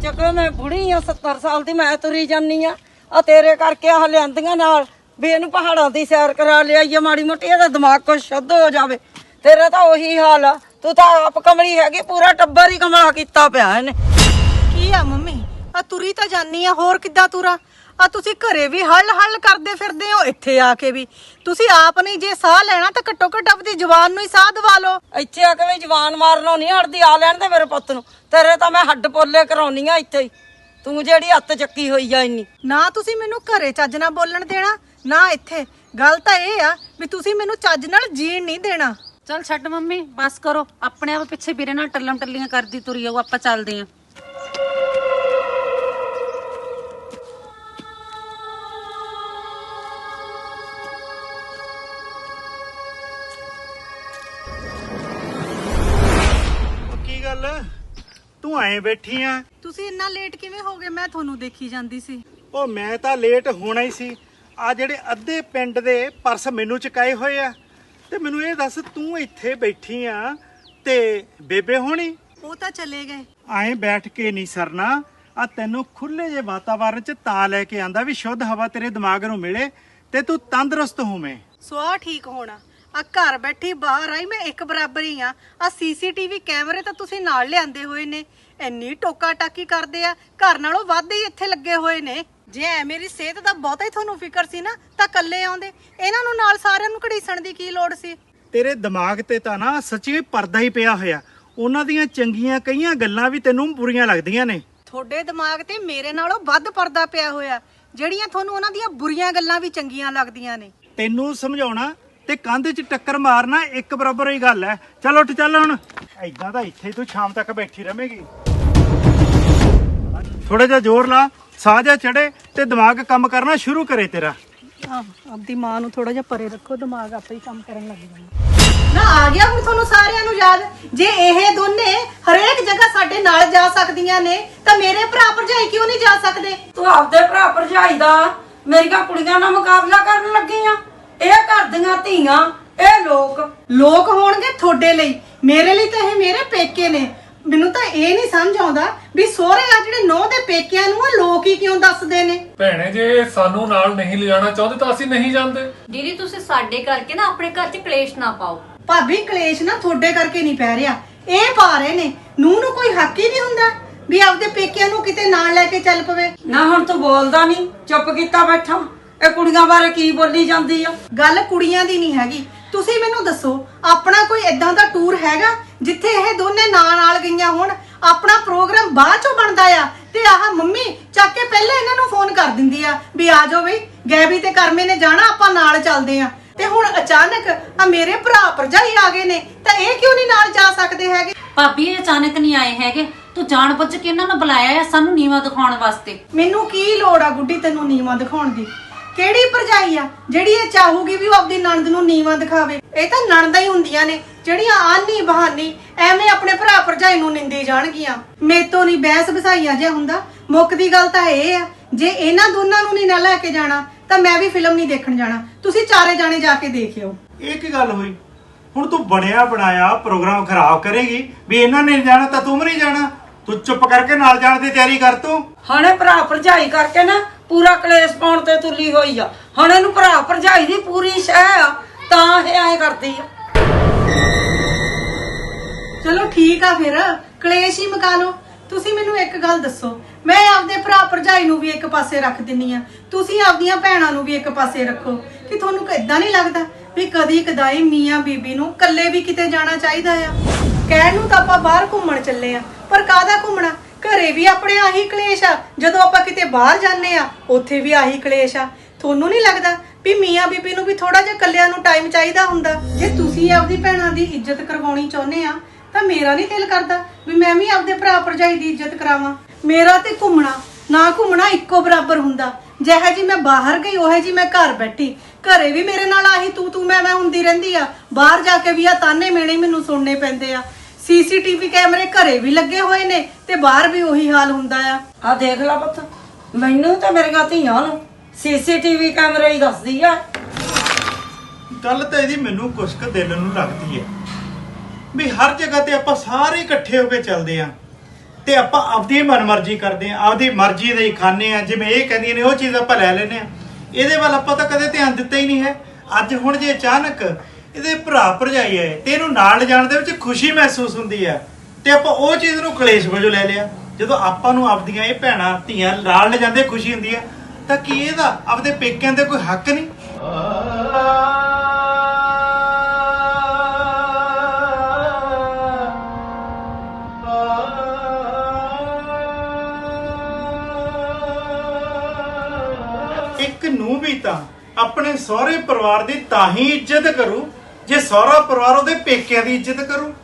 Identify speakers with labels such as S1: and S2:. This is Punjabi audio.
S1: ਚੱਕੋ ਮੈਂ ਬੁੜੀ ਆ 70 ਸਾਲ ਦੀ ਮੈਂ ਤੁਰੀ ਜਾਨੀ ਆ ਤੇਰੇ ਕਰਕੇ ਆਹ ਲਿਆਂਦੀਆਂ ਨਾਲ ਵੀ ਇਹਨੂੰ ਪਹਾੜਾਂ ਦੀ ਸੈਰ ਕਰਾ ਲਿਆਈਏ ਮਾੜੀ ਮੋਟੀ ਇਹਦਾ ਦਿਮਾਗ ਕੁਛ ਸ਼ੁੱਧ ਹੋ ਜਾਵੇ। ਤੇਰਾ ਤਾਂ ਉਹੀ ਹਾਲ ਆ, ਤੂੰ ਤਾਂ ਆਪ ਕਮਲੀ ਹੈਗੀ, ਪੂਰਾ ਟੱਬਰ ਹੀ ਕਮਲਾ ਕੀਤਾ ਪਿਆ ਇਹਨੇ।
S2: ਕੀ ਆ ਮੰਮੀ ਆ ਤੁਰੀ ਤਾਂ ਜਾਨੀ ਆ, ਹੋਰ ਕਿੱਦਾਂ ਤੁਰਾਂ? ਆ ਤੁਸੀਂ ਘਰੇ ਵੀ ਹੱਲ ਕਰਦੇ ਫਿਰਦੇ ਹੋ, ਇੱਥੇ ਆ ਕੇ ਵੀ ਤੁਸੀਂ ਆਪ ਨਹੀਂ ਜੇ ਸਾਹ ਲੈਣਾ ਤਾਂ ਘੱਟੋ ਘੱਟ ਆਪਣੀ ਜਵਾਨ ਨੂੰ ਹੀ ਸਾਹ ਦਵਾ ਲਓ।
S1: ਇੱਥੇ ਆ ਕੇ ਵੀ ਜਵਾਨ ਮਾਰਨੋਂ ਨਹੀਂ ਹਟਦੀ, ਆ ਲੈਣ ਦੇ ਮੇਰੇ ਪੁੱਤ ਨੂੰ, ਤੇਰੇ ਤਾਂ ਮੈਂ ਹੱਡ ਪੋਲੇ ਕਰਾਉਣੀ ਆ ਇੱਥੇ ਹੀ, ਤੂੰ ਜਿਹੜੀ ਹੱਥ ਚੱਕੀ ਹੋਈ ਆ ਇੰਨੀ।
S2: ਨਾ ਤੁਸੀਂ ਮੈਨੂੰ ਘਰੇ ਚੱਜ ਨਾਲ ਬੋਲਣ ਦੇਣਾ ਨਾ ਇੱਥੇ। ਗੱਲ ਤਾਂ ਇਹ ਆ ਵੀ ਤੁਸੀਂ ਮੈਨੂੰ ਚੱਜ ਨਾਲ ਜੀਣ ਨਹੀਂ ਦੇਣਾ।
S3: ਚੱਲ ਛੱਡ ਮੰਮੀ, ਬਸ ਕਰੋ, ਆਪਣੇ ਆਪ ਪਿੱਛੇ ਵੀਰੇ ਨਾਲ ਟੱਲਮ ਟੱਲੀਆਂ ਕਰਦੀ ਤੁਰੀ ਆਓ, ਆਪਾਂ ਚੱਲਦੇ ਆਂ।
S4: ਕੀ ਗੱਲ ਤੂੰ ਐਂ ਬੈਠੀ ਆ?
S2: ਤੁਸੀਂ ਇੰਨਾ ਲੇਟ ਕਿਵੇਂ ਹੋ ਗਏ? ਮੈਂ ਤੁਹਾਨੂੰ ਦੇਖੀ ਜਾਂਦੀ ਸੀ।
S4: ਉਹ ਮੈਂ ਤਾਂ ਲੇਟ ਹੋਣਾ ਹੀ ਸੀ। ਆ ਜਿਹੜੇ ਅੱਧੇ ਪਿੰਡ ਦੇ ਪਰਸ ਮੈਨੂੰ ਚੁਕਾਏ ਹੋਏ ਆ, ਤੇ ਮੈਨੂੰ ਇਹ ਦੱਸ ਤੂੰ ਇੱਥੇ ਬੈਠੀ ਆ ਤੇ ਬੇਬੇ ਹੋਣੀ?
S2: ਉਹ ਤਾਂ ਚਲੇ ਗਏ।
S4: ਐਂ ਬੈਠ ਕੇ ਨਹੀਂ ਸਰਨਾ, ਆ ਤੈਨੂੰ ਖੁੱਲੇ ਜੇ ਵਾਤਾਵਰਨ ਚ ਤਾਂ ਲੈ ਕੇ ਆਂਦਾ ਵੀ ਸ਼ੁੱਧ ਹਵਾ ਤੇਰੇ ਦਿਮਾਗ ਨੂੰ ਮਿਲੇ ਤੇ ਤੂੰ ਤੰਦਰੁਸਤ ਹੋਵੇਂ।
S2: ਸਵਾਹ ਠੀਕ ਹੋਣਾ। ਆ ਘਰ ਬੈਠੀ ਬਾਹਰ ਆਈ ਮੈਂ ਇੱਕ ਬਰਾਬਰ ਹੀ ਆ ਸੀਸੀਟੀਵੀ ਕੈਮਰੇ ਤਾਂ ਤੁਸੀਂ ਨਾਲ ਲਿਆਂਦੇ ਹੋਏ ਨੇ, ਇੰਨੀ ਟੋਕਾ ਟਾਕੀ ਕਰਦੇ ਆ, ਘਰ ਨਾਲੋਂ ਵੱਧ ਹੀ ਇੱਥੇ ਲੱਗੇ ਹੋਏ ਨੇ। ਜੇ ਐ ਮੇਰੀ ਸਿਹਤ ਦਾ ਬਹੁਤਾ ਹੀ ਤੁਹਾਨੂੰ ਫਿਕਰ ਸੀ ਨਾ ਤਾਂ ਇਕੱਲੇ ਆਉਂਦੇ, ਇਹਨਾਂ ਨੂੰ ਨਾਲ ਸਾਰਿਆਂ ਨੂੰ ਘੜੀਸਣ ਦੀ ਕੀ ਲੋੜ ਸੀ?
S4: ਤੇਰੇ ਦਿਮਾਗ ਤੇ ਤਾਂ ਨਾ ਸੱਚੀ ਪਰਦਾ ਹੀ ਪਿਆ ਹੋਇਆ, ਉਹਨਾਂ ਦੀਆਂ ਚੰਗੀਆਂ ਕਈਆਂ ਗੱਲਾਂ ਵੀ ਤੈਨੂੰ ਬੁਰੀਆਂ ਲੱਗਦੀਆਂ ਨੇ।
S2: ਤੁਹਾਡੇ ਦਿਮਾਗ ਤੇ ਮੇਰੇ ਨਾਲੋਂ ਵੱਧ ਪਰਦਾ ਪਿਆ ਹੋਇਆ, ਜਿਹੜੀਆਂ ਤੁਹਾਨੂੰ ਉਹਨਾਂ ਦੀਆਂ ਬੁਰੀਆਂ ਗੱਲਾਂ ਵੀ ਚੰਗੀਆਂ ਲੱਗਦੀਆਂ ਨੇ।
S4: ਤੈਨੂੰ ਸਮਝਾਉਣਾ ਤੇ ਕੰਧ 'ਚ ਟੱਕਰ ਮਾਰਨਾ ਇੱਕ ਬਰਾਬਰ ਹੀ ਗੱਲ ਹੈ। ਚੱਲ ਉੱਠ ਚੱਲ ਹੁਣ, ਐਦਾਂ ਤਾਂ ਇੱਥੇ ਤੂੰ ਸ਼ਾਮ ਤੱਕ ਬੈਠੀ ਰਵੇਂਗੀ। ਥੋੜਾ ਜਿਹਾ ਜ਼ੋਰ ਲਾ, ਸਾਹ ਜਿਹਾ ਚੜੇ ਤੇ ਦਿਮਾਗ ਕੰਮ ਕਰਨਾ ਸ਼ੁਰੂ ਕਰੇ ਤੇਰਾ।
S2: ਆਪਦੀ ਮਾਂ ਨੂੰ ਥੋੜਾ ਜਿਹਾ ਪਰੇ ਰੱਖੋ, ਦਿਮਾਗ ਆਪੇ ਹੀ ਕੰਮ ਕਰਨ ਲੱਗ ਜਾਂਦਾ। ਨਾ ਆ ਗਿਆ ਹੁਣ ਤੁਹਾਨੂੰ ਸਾਰਿਆਂ ਨੂੰ ਯਾਦ? ਜੇ ਇਹ ਦੋਨੇ ਹਰੇਕ ਜਗ੍ਹਾ ਸਾਡੇ ਨਾਲ ਜਾ ਸਕਦੀਆਂ ਨੇ ਤਾਂ ਮੇਰੇ ਭਰਾ ਭਰਜਾਈ ਕਿਉਂ ਨਹੀਂ ਜਾ ਸਕਦੇ?
S1: ਤੂੰ ਆਪਦੇ ਭਰਾ ਭਰਜਾਈ ਦਾ ਮੇਰੀਆਂ ਕੁੜੀਆਂ ਨਾਲ ਮੁਕਾਬਲਾ ਕਰਨ ਲੱਗੀ ਆ? ਇਹ ਘਰ ਦੀਆਂ ਧੀਆਂ, ਇਹ ਲੋਕ
S2: ਹੋਣਗੇ ਤੁਹਾਡੇ ਲਈ, ਮੇਰੇ ਲਈ ਤਾਂ ਇਹ ਮੇਰੇ ਪੇਕੇ ਨੇ। ਮੈਨੂੰ ਤਾਂ ਇਹ ਨਹੀਂ ਸਮਝ ਆਉਂਦਾ ਵੀ ਸਹੁਰੇ ਆ ਜਿਹੜੇ ਨੌ ਦੇ ਪੇਕਿਆਂ ਨੂੰ ਆ ਲੋਕ ਹੀ ਕਿਉਂ ਦੱਸਦੇ ਨੇ।
S5: ਭੈਣੇ ਜੇ ਸਾਨੂੰ ਨਾਲ ਨਹੀਂ ਲਿਜਾਣਾ ਚਾਹੁੰਦੇ ਤਾਂ ਅਸੀਂ ਨਹੀਂ ਜਾਂਦੇ।
S3: ਦੀਦੀ ਤੁਸੀਂ ਸਾਡੇ ਕਰਕੇ ਨਾ ਆਪਣੇ ਘਰ 'ਚ ਕਲੇਸ਼ ਨਾ ਪਾਓ।
S2: ਭਾਬੀ ਕਲੇਸ਼ ਨਾ ਤੁਹਾਡੇ ਕਰਕੇ ਨਹੀਂ ਪੈ ਰਿਹਾ, ਇਹ ਪਾ ਰਹੇ ਨੇ। ਨੂੰ ਕੋਈ ਹੱਕ ਹੀ ਨਹੀਂ ਹੁੰਦਾ ਵੀ ਆਪਦੇ ਪੇਕਿਆਂ ਨੂੰ ਕਿਤੇ ਨਾਲ ਲੈ ਕੇ ਚੱਲ ਪਵੇ।
S1: ਨਾ ਹੁਣ ਤੂੰ ਬੋਲਦਾ ਨਹੀਂ, ਚੁੱਪ ਕੀਤਾ ਬੈਠਾ। ਇਹ ਕੁੜੀਆਂ ਬਾਰੇ ਕੀ ਬੋਲੀ ਜਾਂਦੀ ਆ?
S2: ਗੱਲ ਕੁੜੀਆਂ ਦੀ ਨਹੀਂ ਹੈਗੀ। ਤੁਸੀਂ ਮੈਨੂੰ ਦੱਸੋ ਆਪਣਾ ਕੋਈ ਏਦਾਂ ਦਾ ਟੂਰ ਹੈਗਾ ਜਿੱਥੇ ਇਹ ਦੋਨੇ ਨਾਲ ਗਈਆਂ ਹੋਣ? ਆਪਣਾ ਪ੍ਰੋਗਰਾਮ ਬਾਅਦ ਚੋਂ ਬਣਦਾ ਆ ਤੇ ਆਹ ਮੰਮੀ ਚੱਕ ਕੇ ਪਹਿਲੇ ਇਹਨਾਂ ਨੂੰ ਫੋਨ ਕਰ ਦਿੰਦੀ ਆ ਵੀ ਆ ਜਾਓ ਬਈ, ਗੈਬੀ ਤੇ ਕਰਮੇ ਨੇ ਜਾਣਾ, ਆਪਾਂ ਨਾਲ ਚੱਲਦੇ ਆ। ਤੇ ਹੁਣ ਅਚਾਨਕ ਆ ਮੇਰੇ ਭਰਾ ਭਰਜਾਈ ਆ ਗਏ ਨੇ ਤਾਂ ਇਹ ਕਿਉਂ ਨਹੀਂ ਨਾਲ ਜਾ ਸਕਦੇ ਹੈਗੇ?
S3: ਭਾਬੀ ਇਹ ਅਚਾਨਕ ਨਹੀਂ ਆਏ ਹੈਗੇ, ਤੂੰ ਜਾਣ ਬੁੱਝ ਕੇ ਇਹਨਾਂ ਨੂੰ ਬੁਲਾਇਆ ਆ ਸਾਨੂੰ ਨੀਵਾਂ ਦਿਖਾਉਣ ਵਾਸਤੇ।
S2: ਮੈਨੂੰ ਕੀ ਲੋੜ ਆ ਗੁੱਡੀ ਤੈਨੂੰ ਨੀਵਾਂ ਦਿਖਾਉਣ ਦੀ? ਕਿਹੜੀ ਭਰਜਾਈ ਆ ਜਿਹੜੀ ਇਹ ਚਾਹੂਗੀ ਵੀ ਉਹ ਆਪਦੀ ਨਣਦ ਨੂੰ ਨੀਵਾਂ ਦਿਖਾਵੇ? ਇਹ ਤਾਂ ਨਣਦਾਂ ਹੀ ਹੁੰਦੀਆਂ ਨੇ ਜਿਹੜੀਆਂ ਆਨੀ ਬਹਾਨੀ ਐਵੇਂ ਆਪਣੇ ਭਰਾ ਭਰਜਾਈ ਨੂੰ ਨਿੰਦੀ ਜਾਣਗੀਆਂ। ਮੇਤੋਂ ਨਹੀਂ ਬਹਿਸ ਬਸਾਈਆ ਜਿਹਾ ਹੁੰਦਾ। ਮੁੱਕਦੀ ਗੱਲ ਤਾਂ ਇਹ ਆ, ਜੇ ਇਹਨਾਂ ਦੋਨਾਂ ਨੂੰ ਨਹੀਂ ਨਾ ਲੈ ਕੇ ਜਾਣਾ ਤਾਂ ਮੈਂ ਵੀ ਫਿਲਮ ਨਹੀਂ ਦੇਖਣ ਜਾਣਾ। ਤੁਸੀਂ ਚਾਰੇ ਜਾਣੇ ਜਾ ਕੇ ਦੇਖਿਓ।
S4: ਇਹ ਕੀ ਗੱਲ ਹੋਈ? ਹੁਣ ਤੂੰ ਬਣਿਆ ਬਣਾਇਆ ਪ੍ਰੋਗਰਾਮ ਖਰਾਬ ਕਰੇਗੀ ਵੀ ਇਹਨਾਂ ਨੇ ਜਾਣਾ ਤਾਂ ਤੂੰ ਵੀ ਨਹੀਂ ਜਾਣਾ। ਤੂੰ ਚੁੱਪ ਕਰਕੇ ਨਾਲ ਜਾਣ ਦੀ ਤਿਆਰੀ ਕਰ। ਤੂੰ
S1: ਹੁਣੇ ਭਰਾ ਭਰਜਾਈ ਕਰਕੇ ਨਾ ਪੂਰਾ ਕਲੇਸ਼ ਪਾਉਣ ਤੇ ਤੁਲੀ ਹੋਈ ਆ। ਹੁਣ ਇਹਨੂੰ ਭਰਾ ਭਰਜਾਈ ਦੀ ਪੂਰੀ ਸ਼ਹਿ ਆ ਤਾਂ ਇਹ ਐਂ ਕਰਦੀ ਆ।
S2: ਚਲੋ ਠੀਕ ਆ, ਫਿਰ ਕਲੇਸ਼ ਹੀ ਮੁਕਾ ਲਓ। ਤੁਸੀਂ ਮੈਨੂੰ ਇੱਕ ਗੱਲ ਦੱਸੋ, ਮੈਂ ਆਪਦੇ ਭਰਾ ਭਰਜਾਈ ਨੂੰ ਵੀ ਇੱਕ ਪਾਸੇ ਰੱਖ ਦਿੰਨੀ ਆ, ਤੁਸੀਂ ਆਪਦੀਆਂ ਭੈਣਾਂ ਨੂੰ ਵੀ ਇੱਕ ਪਾਸੇ ਰੱਖੋ। ਕਿ ਤੁਹਾਨੂੰ ਇਦਾਂ ਨਹੀਂ ਲੱਗਦਾ ਵੀ ਕਦੀ ਕਦਾਈ ਮੀਆਂ ਬੀਬੀ ਨੂੰ ਇਕੱਲੇ ਵੀ ਕਿਤੇ ਜਾਣਾ ਚਾਹੀਦਾ ਆ? ਕਹਿਣ ਨੂੰ ਤਾਂ ਆਪਾਂ ਬਾਹਰ ਘੁੰਮਣ ਚੱਲੇ ਆ, ਪਰ ਕਾਹਦਾ ਘੁੰਮਣਾ? ਘਰੇ ਵੀ ਆਪਣੇ ਆਹੀ ਕਲੇਸ਼ ਆ, ਜਦੋਂ ਆਪਾਂ ਕਿਤੇ ਬਾਹਰ ਜਾਂਦੇ ਆ ਉੱਥੇ ਵੀ ਆਹੀ ਕਲੇਸ਼ ਆ। ਤੁਹਾਨੂੰ ਨਹੀਂ ਲੱਗਦਾ ਵੀ ਮੀਆਂ ਬੀਬੀ ਨੂੰ ਵੀ ਥੋੜਾ ਜਿਹਾ ਇਕੱਲਿਆਂ ਨੂੰ ਟਾਈਮ ਚਾਹੀਦਾ ਹੁੰਦਾ? ਜੇ ਤੁਸੀਂ ਆਪਦੀ ਭੈਣਾਂ ਦੀ ਇੱਜ਼ਤ ਕਰਵਾਉਣੀ ਚਾਹੁੰਦੇ ਆ ਤਾਂ ਮੇਰਾ ਨਹੀਂ ਦਿਲ ਕਰਦਾ ਵੀ ਮੈਂ ਵੀ ਆਪਦੇ ਭਰਾ ਭਰਜਾਈ ਦੀ ਇੱਜ਼ਤ ਕਰਾਵਾਂ। ਮੇਰਾ ਤੇ ਘੁੰਮਣਾ ਨਾ ਘੁੰਮਣਾ ਇੱਕੋ ਬਰਾਬਰ ਹੁੰਦਾ। ਜਿਹੇ ਜੀ ਮੈਂ ਬਾਹਰ ਗਈ ਉਹੇ ਜੀ ਮੈਂ ਘਰ ਬੈਠੀ। ਘਰੇ ਵੀ ਮੇਰੇ ਨਾਲ ਆਹੀ ਤੂੰ ਮੈਂ ਹੁੰਦੀ ਰਹਿੰਦੀ ਆ, ਬਾਹਰ ਜਾ ਕੇ ਵੀ ਆ ਤਾਨੇ ਮੇਣੇ ਮੈਨੂੰ ਸੁਣਨੇ ਪੈਂਦੇ ਆ। ਸੀਸੀਟੀਵੀ ਕੈਮਰੇ ਘਰੇ ਵੀ ਲੱਗੇ ਹੋਏ ਨੇ ਤੇ ਬਾਹਰ ਵੀ ਉਹੀ ਹਾਲ ਹੁੰਦਾ ਆ।
S1: ਆ ਦੇਖ ਲੈ ਪੁੱਤ, ਮੈਨੂੰ ਤੇ ਮੇਰੀਆਂ ਧੀਆਂ ਨੂੰ ਸੀਸੀਟੀਵੀ ਕੈਮਰੇ ਹੀ ਦੱਸਦੀ ਆ।
S4: ਗੱਲ ਤਾਂ ਇਹਦੀ ਮੈਨੂੰ ਕੁਛ ਕੁ ਦਿਲ ਨੂੰ ਲੱਗਦੀ ਹੈ ਵੀ ਹਰ ਜਗ੍ਹਾ ਤੇ ਆਪਾਂ ਸਾਰੇ ਇਕੱਠੇ ਹੋ ਕੇ ਚੱਲਦੇ ਆ ਤੇ ਆਪਾਂ ਆਪਦੀ ਮਨਮਰਜ਼ੀ ਕਰਦੇ ਆ, ਆਪਦੀ ਮਰਜ਼ੀ ਦੇ ਹੀ ਖਾਂਦੇ ਆ। ਜਿਵੇਂ ਇਹ ਕਹਿੰਦੀਆਂ ਨੇ ਉਹ ਚੀਜ਼ ਆਪਾਂ ਲੈ ਲੈਨੇ ਆ। ਇਹਦੇ ਵੱਲ ਆਪਾਂ ਤਾਂ ਕਦੇ ਧਿਆਨ ਦਿੱਤਾ ਹੀ ਨਹੀਂ ਹੈ। ਅੱਜ ਹੁਣ ਜੇ ਅਚਾਨਕ ਇਹਦੇ ਭਰਾ ਭਰਜਾਈ ਆਏ ਤੇ ਇਹਨੂੰ ਨਾਲ ਲਿਜਾਣ ਦੇ ਵਿੱਚ ਖੁਸ਼ੀ ਮਹਿਸੂਸ ਹੁੰਦੀ ਹੈ ਤੇ ਆਪਾਂ ਉਹ ਚੀਜ਼ ਨੂੰ ਕਲੇਸ਼ ਵਜੋਂ ਲੈ ਲਿਆ। ਜਦੋਂ ਆਪਾਂ ਨੂੰ ਆਪਦੀਆਂ ਇਹ ਭੈਣਾਂ ਧੀਆਂ ਨਾਲ ਲਿਜਾਂਦੇ ਖੁਸ਼ੀ ਹੁੰਦੀ ਹੈ ਤਾਂ ਕੀ ਇਹਦਾ ਆਪਦੇ ਪੇਕਿਆਂ ਤੇ ਕੋਈ ਹੱਕ ਨਹੀਂ? ਇੱਕ ਨੂੰ ਵੀ ਤਾਂ ਆਪਣੇ ਸਹੁਰੇ ਪਰਿਵਾਰ ਦੀ ਤਾਂ ਹੀ ਇੱਜ਼ਤ ਕਰੂ ਜੇ ਸਹੁਰਾ ਪਰਿਵਾਰ ਉਹਦੇ ਪੇਕਿਆਂ ਦੀ ਇੱਜ਼ਤ ਕਰੂ।